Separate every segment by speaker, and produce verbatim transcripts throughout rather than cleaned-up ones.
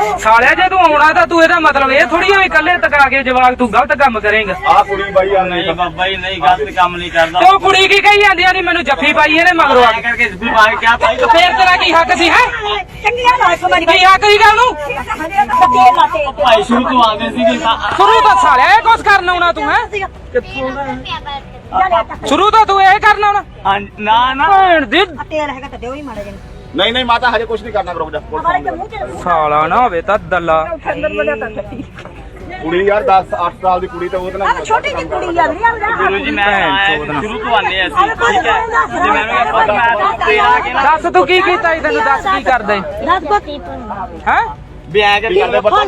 Speaker 1: ਸਾਲਿਆ ਜੇ ਤੂੰ ਆਉਣਾ ਤਾਂ ਤੂੰ ਇਹਦਾ ਮਤਲਬ ਇਹ ਥੋੜੀ ਵੀ ਇਕੱਲੇ ਟਕਾ ਕੇ ਜਵਾਕ ਤੂੰ ਗਲਤ ਕੰਮ ਕਰੇਂਗਾ।
Speaker 2: ਆ ਕੁੜੀ ਬਾਈ ਆ
Speaker 3: ਨਹੀਂ ਬਾਬਾ ਜੀ ਨਹੀਂ ਗਲਤ ਕੰਮ ਨਹੀਂ ਕਰਦਾ।
Speaker 1: ਤੇ ਉਹ ਕੁੜੀ ਕੀ ਕਹੀ ਜਾਂਦੀ ਆ ਨੀ ਮੈਨੂੰ ਜੱਫੀ ਪਾਈ ਇਹਨੇ ਮਗਰੋਂ ਆ ਕੇ
Speaker 3: ਕਰਕੇ ਜੱਫੀ ਪਾ ਕੇ ਕਿਆ ਪਾਈ
Speaker 1: ਫੇਰ ਤੇਰਾ ਕੀ ਹੱਕ ਸੀ ਹੈ
Speaker 4: ਚੰਗੀਆਂ ਨਾਲ ਸਮਾਜ
Speaker 1: ਕੀ ਹੱਕ ਸੀ ਗੱਲ ਨੂੰ
Speaker 3: ਭਾਈ ਸ਼ੁਰੂ ਤੋਂ ਆਉਂਦੇ ਸੀਗੇ
Speaker 1: ਸ਼ੁਰੂ ਤੋਂ ਸਾਲਿਆ ਇਹ ਕੁਛ ਕਰਨ ਆਉਣਾ ਤੂੰ ਹੈ ਸ਼ੁਰੂ ਤੋਂ ਤੂੰ ਇਹ ਕਰਨ ਆਉਣਾ
Speaker 3: ਹਾਂ ਨਾ ਨਾ
Speaker 1: ਭੈਣ ਦੀ
Speaker 4: ਤੇਲ ਹੈਗਾ ਤਾਂ ਦਿਓ ਹੀ ਮਾੜਾ ਜਿਹਾ
Speaker 2: ਨਹੀਂ ਨਹੀਂ ਮਾਤਾ ਹਜੇ ਕੁਝ ਨਹੀਂ ਕਰਨਾ ਰੁਕ ਜਾ
Speaker 1: ਸਾਲਾ ਨਾ ਹੋਵੇ ਤਾਂ ਦੱਲਾ
Speaker 2: ਕੁੜੀ ਯਾਰ ਦਸ ਅੱਠ ਸਾਲ ਦੀ ਕੁੜੀ ਤਾਂ ਉਹਦੇ ਨਾਲ
Speaker 4: ਛੋਟੀ ਜਿਹੀ ਕੁੜੀ ਆ
Speaker 3: ਗੁਰੂ ਜੀ ਮੈਂ ਆਇਆ ਸ਼ੁਰੂ ਤੋਂ ਆਨੇ ਅਸੀਂ ਠੀਕ ਹੈ ਜੇ ਮੈਨੂੰ ਇਹ ਪਤਾ ਮੈਂ ਤੇ ਆ ਕੇ ਨਾ
Speaker 1: ਦੱਸ ਤੂੰ ਕੀ ਕੀਤਾ ਸੀ ਤੈਨੂੰ ਦੱਸ ਕੀ ਕਰਦੇ
Speaker 4: ਦੱਸ ਬੱਤੀ
Speaker 1: ਹੈ
Speaker 3: ਵਿਆਹ ਕੇ ਕਰਦੇ ਬੱਚਾ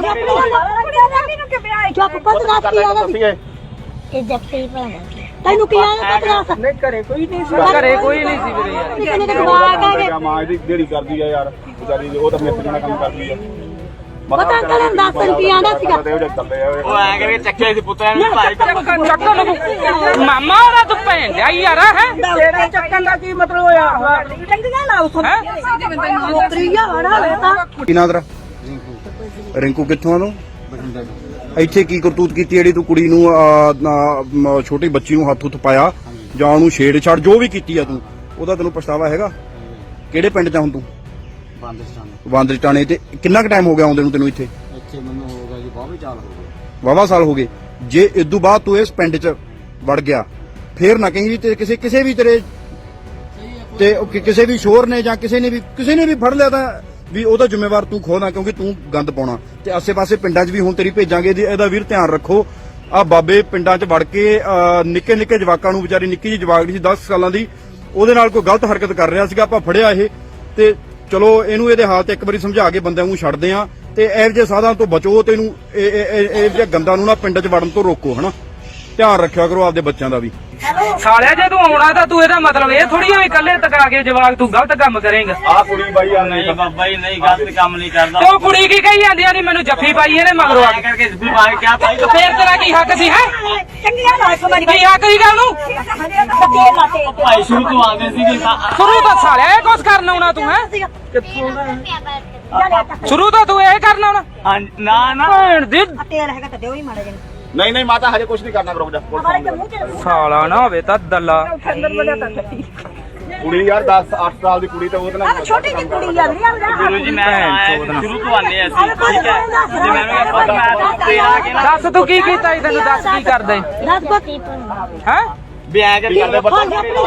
Speaker 4: ਚੁੱਪ ਪੁੱਤ ਦੱਸ ਕੀ ਆਦਾ
Speaker 2: ਦੱਸੀਏ
Speaker 4: ਇਹ ਜੱਫੀ ਪਾਣਾ ਤੈਨੂੰ ਕੀ ਆਦਾ ਪੁੱਤ ਦੱਸ
Speaker 1: ਨਹੀਂ ਘਰੇ ਕੋਈ ਨਹੀਂ ਸੀ ਘਰੇ ਕੋਈ ਨਹੀਂ ਸੀ ਵੀਰੇ ਯਾਰ
Speaker 4: ਕਿੰਨੇ ਦੇ ਜਵਾਕ ਆ ਗਏ
Speaker 2: ਮਾਂ ਇਹਦੀ ਜਿਹੜੀ ਕਰਦੀ ਆ ਯਾਰ ਵਿਚਾਰੀ ਉਹ ਤਾਂ ਮਿਸਤਰੀ ਨਾਲ ਕੰਮ ਕਰਦੀ ਆ
Speaker 4: ਪਤਾ ਕਰਨ ਦਸ ਰੁਪਏ ਆਂਦਾ ਸੀਗਾ
Speaker 3: ਉਹ ਐ ਕਰਕੇ ਚੱਕਿਆ ਸੀ ਪੁੱਤਰਾਂ ਨੂੰ ਭਾਈ
Speaker 1: ਚੱਕਣ ਚੱਕਣ ਨੂੰ ਮਾਮਾ ਉਹਦਾ ਤੂੰ ਭੈਣ ਲਿਆ ਯਾਰ ਹੈ
Speaker 4: ਤੇਰੇ ਚੱਕਣ ਦਾ ਕੀ ਮਤਲਬ ਹੋਇਆ ਚੰਗੀਆਂ ਨਾਲ ਉਸ ਨੌਕਰੀ ਆ ਹਣਾ ਲੈਤਾ
Speaker 5: ਕੀ ਨਾਂ ਤੇਰਾ? ਰਿੰਕੂ ਕਿੱਥੋਂ ਆ ਤੂੰ? ਇੱਥੇ ਕੀ ਕਰਤੂਤ ਕੀਤੀ ਜਿਹੜੀ ਤੂੰ ਕੁੜੀ ਨੂੰ ਆ, ਨਾ, ਛੋਟੀ ਬੱਚੀ ਨੂੰ ਹੱਥ ਹੁੱਥ ਪਾਇਆ ਜਾਂ ਉਹਨੂੰ ਛੇੜ ਛਾੜ ਜੋ ਵੀ ਕੀਤੀ ਆ ਤੂੰ ਉਹਦਾ ਤੈਨੂੰ ਪਛਤਾਵਾ ਹੈਗਾ? ਕਿਹੜੇ ਪਿੰਡ ਚ ਆ ਹੁਣ ਤੂੰ? ਬਾਂਦਰੀ ਟਾਣੇ। ਤੇ ਕਿੰਨਾ ਕੁ ਟਾਈਮ ਹੋ ਗਿਆ ਆਉਂਦੇ ਨੂੰ ਤੈਨੂੰ ਇੱਥੇ?
Speaker 6: ਇੱਥੇ ਮੈਨੂੰ ਹੋ ਗਿਆ ਜੀ ਬਾਹਰ ਚਾਲ ਹੋ ਗਏ
Speaker 5: ਵਾਹਵਾ ਸਾਲ ਹੋ ਗਏ। ਜੇ ਇਦੋਂ ਬਾਅਦ ਤੂੰ ਇਸ ਪਿੰਡ ਚ ਵੜ ਗਿਆ ਫੇਰ ਨਾ ਕਹੀਂ ਵੀ ਤੇ ਕਿਸੇ ਕਿਸੇ ਵੀ ਤੇਰੇ ਤੇ ਉਹ ਕਿ- ਕਿਸੇ ਵੀ ਸ਼ੋਰ ਨੇ ਜਾਂ ਕਿਸੇ ਨੇ ਵੀ ਕਿਸੇ ਨੇ ਵੀ ਫੜ ਲਿਆ ਤਾਂ ਵੀ ਉਹਦਾ ਜ਼ਿੰਮੇਵਾਰ ਤੂੰ ਖੋਣਾ ਕਿਉਂਕਿ ਤੂੰ ਗੰਦ ਪਾਉਣਾ। ਤੇ ਆਸੇ-ਪਾਸੇ ਪਿੰਡਾਂ 'ਚ ਵੀ ਹੁਣ ਤੇਰੀ ਭੇਜਾਂਗੇ ਜੀ ਇਹਦਾ ਵੀਰ ਧਿਆਨ ਰੱਖੋ। ਆ ਬਾਬੇ ਪਿੰਡਾਂ 'ਚ ਵੜ ਕੇ ਨਿੱਕੇ ਨਿੱਕੇ ਜਵਾਕਾਂ ਨੂੰ ਵਿਚਾਰੀ ਨਿੱਕੀ ਜਿਹੀ ਜਵਾਕ ਸੀ ਦਸ ਸਾਲਾਂ ਦੀ ਉਹਦੇ ਨਾਲ ਕੋਈ ਗਲਤ ਹਰਕਤ ਕਰ ਰਿਹਾ ਸੀਗਾ। ਆਪਾਂ ਫੜਿਆ ਇਹ ਤੇ ਚਲੋ ਇਹਨੂੰ ਇਹਦੇ ਹਾਲ ਤੇ ਇੱਕ ਵਾਰੀ ਸਮਝਾ ਕੇ ਬੰਦਿਆਂ ਨੂੰ ਛੱਡਦੇ ਆ ਤੇ ਇਹੋ ਜਿਹੇ ਸਾਧਾਂ ਤੋਂ ਬਚੋ ਤੇ ਇਹਨੂੰ ਇਹ ਜਿਹੇ ਗੰਦਾਂ ਨੂੰ ਨਾ ਪਿੰਡ 'ਚ ਵੜਨ ਤੋਂ ਰੋਕੋ ਹਨਾ। ਧਿਆਨ ਰੱਖਿਆ ਕਰੋ ਆਪਦੇ ਬੱਚਿਆਂ ਦਾ ਵੀ।
Speaker 1: ਸਾਲਿਆ ਜੇ ਤੂੰ ਆਉਣਾ ਤਾਂ ਤੂੰ ਇਹਦਾ ਮਤਲਬ ਇਹ ਥੋੜੀ ਵੀ ਇਕੱਲੇ ਟਕਾ ਕੇ ਜਵਾਕ ਤੂੰ ਗਲਤ ਕੰਮ ਕਰੇਂਗਾ।
Speaker 2: ਆ ਕੁੜੀ ਬਾਈ ਆ
Speaker 3: ਨਹੀਂ ਬਾਬਾ ਜੀ ਨਹੀਂ ਗਲਤ ਕੰਮ ਨਹੀਂ ਕਰਦਾ।
Speaker 1: ਤੇ ਉਹ ਕੁੜੀ ਕੀ ਕਹੀ ਜਾਂਦੀ ਆ ਨੀ ਮੈਨੂੰ ਜੱਫੀ ਪਾਈ ਇਹਨੇ ਮਗਰੋਂ ਆ
Speaker 3: ਐ ਕਰਕੇ ਜੱਫੀ ਪਾ ਕੇ ਕਿਆ ਪਾਈ
Speaker 1: ਫੇਰ ਤੇਰਾ ਕੀ ਹੱਕ ਸੀ ਹੈ
Speaker 4: ਚੰਗੀਆਂ ਨਾਲ ਸਮਾਜ
Speaker 1: ਕੀ ਹੱਕ ਸੀ ਗੱਲ ਨੂੰ
Speaker 3: ਭਾਈ ਸ਼ੁਰੂ ਤੋਂ ਆਉਂਦੇ ਸੀਗੇ
Speaker 1: ਸ਼ੁਰੂ ਤੋਂ ਸਾਲਿਆ ਇਹ ਕੁਛ ਕਰਨ ਆਉਣਾ ਤੂੰ ਹੈ ਸ਼ੁਰੂ ਤੋਂ ਤੂੰ ਇਹ ਕਰਨ ਆਉਣਾ
Speaker 3: ਹਾਂ ਨਾ ਨਾ
Speaker 1: ਭੈਣ ਦੀ
Speaker 4: ਤੇਲ ਹੈਗਾ ਤਾਂ ਦਿਓ ਹੀ ਮਾੜਾ ਜਿਹਾ
Speaker 2: ਨਹੀਂ ਨਹੀਂ ਮਾਤਾ ਹਜੇ ਕੁਝ ਨਹੀਂ ਕਰਨਾ ਰੁਕ ਜਾ
Speaker 1: ਸਾਲਾ ਨਾ ਹੋਵੇ ਤਾਂ ਦੱਲਾ
Speaker 2: ਕੁੜੀ ਯਾਰ ਦਸ ਅੱਠ ਸਾਲ ਦੀ ਕੁੜੀ ਤਾਂ ਉਹਦੇ ਨਾਲ
Speaker 4: ਛੋਟੀ ਜਿਹੀ ਕੁੜੀ ਆ
Speaker 3: ਗੁਰੂ ਜੀ ਮੈਂ ਆਇਆ ਸ਼ੁਰੂ ਤੋਂ ਆਨੇ ਅਸੀਂ ਠੀਕ ਹੈ ਜੇ ਮੈਨੂੰ ਇਹ ਪਤਾ ਮੈਂ ਤੇ ਆ ਕੇ ਨਾ
Speaker 1: ਦੱਸ ਤੂੰ ਕੀ ਕੀਤਾ ਸੀ ਤੈਨੂੰ ਦੱਸ ਕੀ ਕਰਦੇ
Speaker 4: ਦੱਸ ਬੱਤੀ
Speaker 1: ਹੈ
Speaker 3: ਵਿਆਹ ਕੇ ਕਰਦੇ ਬੱਚਾ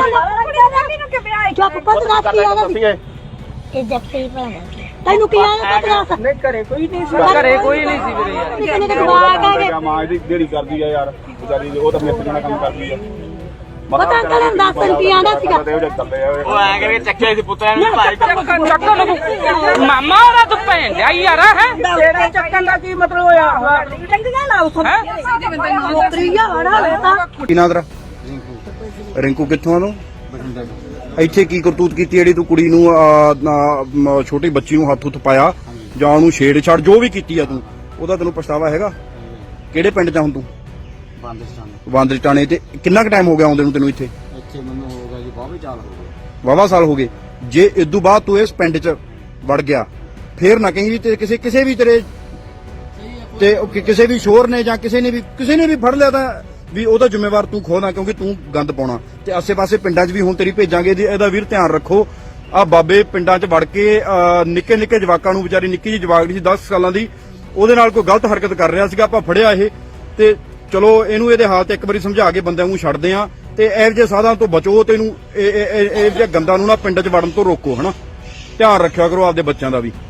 Speaker 4: ਚੁੱਪ ਪੁੱਤ ਦੱਸ ਕੀ ਆਦਾ
Speaker 2: ਦੱਸੀਏ
Speaker 4: ਇਹ ਜੱਫੀ ਪਾਣਾ ਤੈਨੂੰ ਕੀ ਆਦਾ ਪੁੱਤ ਦੱਸ
Speaker 1: ਨਹੀਂ ਘਰੇ ਕੋਈ ਨਹੀਂ ਸੀ ਘਰੇ ਕੋਈ ਨਹੀਂ ਸੀ ਵੀਰੇ ਯਾਰ
Speaker 4: ਕਿੰਨੇ ਦੇ ਜਵਾਕ ਆ ਗਏ
Speaker 2: ਮਾਂ ਇਹਦੀ ਜਿਹੜੀ ਕਰਦੀ ਆ ਯਾਰ ਵਿਚਾਰੀ ਉਹ ਤਾਂ ਮਿਸਤਰੀ ਨਾਲ ਕੰਮ ਕਰਦੀ ਆ
Speaker 4: ਪਤਾ ਕਰਨ ਦਸ ਰੁਪਏ ਆਂਦਾ ਸੀਗਾ
Speaker 3: ਉਹ ਐ ਕਰਕੇ ਚੱਕਿਆ ਸੀ ਪੁੱਤਰਾਂ ਨੂੰ ਭਾਈ
Speaker 1: ਚੱਕਣ ਚੱਕਣ ਨੂੰ ਮਾਮਾ ਉਹਦਾ ਤੂੰ ਭੈਣ ਲਿਆ ਯਾਰ ਹੈ
Speaker 4: ਤੇਰੇ ਚੱਕਣ ਦਾ ਕੀ ਮਤਲਬ ਹੋਇਆ ਚੰਗੀਆਂ ਨਾਲ ਉਸ ਨੌਕਰੀ ਆ ਹਣਾ ਲੈਤਾ
Speaker 5: ਕੀ ਨਾਂ ਤੇਰਾ? ਰਿੰਕੂ ਕਿੱਥੋਂ ਆ ਤੂੰ? ਇੱਥੇ ਕੀ ਕਰਤੂਤ ਕੀਤੀ ਜਿਹੜੀ ਤੂੰ ਕੁੜੀ ਨੂੰ ਆ, ਨਾ, ਛੋਟੀ ਬੱਚੀ ਨੂੰ ਹੱਥ ਹੁੱਥ ਪਾਇਆ ਜਾਂ ਉਹਨੂੰ ਛੇੜ ਛਾੜ ਜੋ ਵੀ ਕੀਤੀ ਆ ਤੂੰ ਉਹਦਾ ਤੈਨੂੰ ਪਛਤਾਵਾ ਹੈਗਾ? ਕਿਹੜੇ ਪਿੰਡ ਚ ਆ ਹੁਣ ਤੂੰ? ਬਾਂਦਰੀ ਟਾਣੇ। ਤੇ ਕਿੰਨਾ ਕੁ ਟਾਈਮ ਹੋ ਗਿਆ ਆਉਂਦੇ ਨੂੰ ਤੈਨੂੰ ਇੱਥੇ?
Speaker 6: ਇੱਥੇ ਮੈਨੂੰ ਹੋ ਗਿਆ ਜੀ ਬਾਹਰ ਚਾਲ ਹੋ ਗਏ
Speaker 5: ਵਾਹਵਾ ਸਾਲ ਹੋ ਗਏ। ਜੇ ਇਦੋਂ ਬਾਅਦ ਤੂੰ ਇਸ ਪਿੰਡ ਚ ਵੜ ਗਿਆ ਫੇਰ ਨਾ ਕਹੀਂ ਵੀ ਤੇ ਕਿਸੇ ਕਿਸੇ ਵੀ ਤੇਰੇ ਤੇ ਉਹ ਕਿ- ਕਿਸੇ ਵੀ ਸ਼ੋਰ ਨੇ ਜਾਂ ਕਿਸੇ ਨੇ ਵੀ ਕਿਸੇ ਨੇ ਵੀ ਫੜ ਲਿਆ ਤਾਂ ਵੀ ਉਹਦਾ ਜ਼ਿੰਮੇਵਾਰ ਤੂੰ ਖੋਣਾ ਕਿਉਂਕਿ ਤੂੰ ਗੰਦ ਪਾਉਣਾ। ਤੇ ਆਸੇ-ਪਾਸੇ ਪਿੰਡਾਂ 'ਚ ਵੀ ਹੁਣ ਤੇਰੀ ਭੇਜਾਂਗੇ ਜੀ ਇਹਦਾ ਵੀਰ ਧਿਆਨ ਰੱਖੋ। ਆ ਬਾਬੇ ਪਿੰਡਾਂ 'ਚ ਵੜ ਕੇ ਨਿੱਕੇ ਨਿੱਕੇ ਜਵਾਕਾਂ ਨੂੰ ਵਿਚਾਰੀ ਨਿੱਕੀ ਜਿਹੀ ਜਵਾਕ ਸੀ ਦਸ ਸਾਲਾਂ ਦੀ ਉਹਦੇ ਨਾਲ ਕੋਈ ਗਲਤ ਹਰਕਤ ਕਰ ਰਿਹਾ ਸੀਗਾ। ਆਪਾਂ ਫੜਿਆ ਇਹ ਤੇ ਚਲੋ ਇਹਨੂੰ ਇਹਦੇ ਹਾਲ ਤੇ ਇੱਕ ਵਾਰੀ ਸਮਝਾ ਕੇ ਬੰਦਿਆਂ ਨੂੰ ਛੱਡਦੇ ਆ ਤੇ ਇਹੋ ਜਿਹੇ ਸਾਧਾਂ ਤੋਂ ਬਚੋ ਤੇ ਇਹਨੂੰ ਇਹ ਜਿਹੇ ਗੰਦਾਂ ਨੂੰ ਨਾ ਪਿੰਡ 'ਚ ਵੜਨ ਤੋਂ ਰੋਕੋ ਹਨਾ। ਧਿਆਨ ਰੱਖਿਆ ਕਰੋ ਆਪਦੇ ਬੱਚਿਆਂ ਦਾ ਵੀ।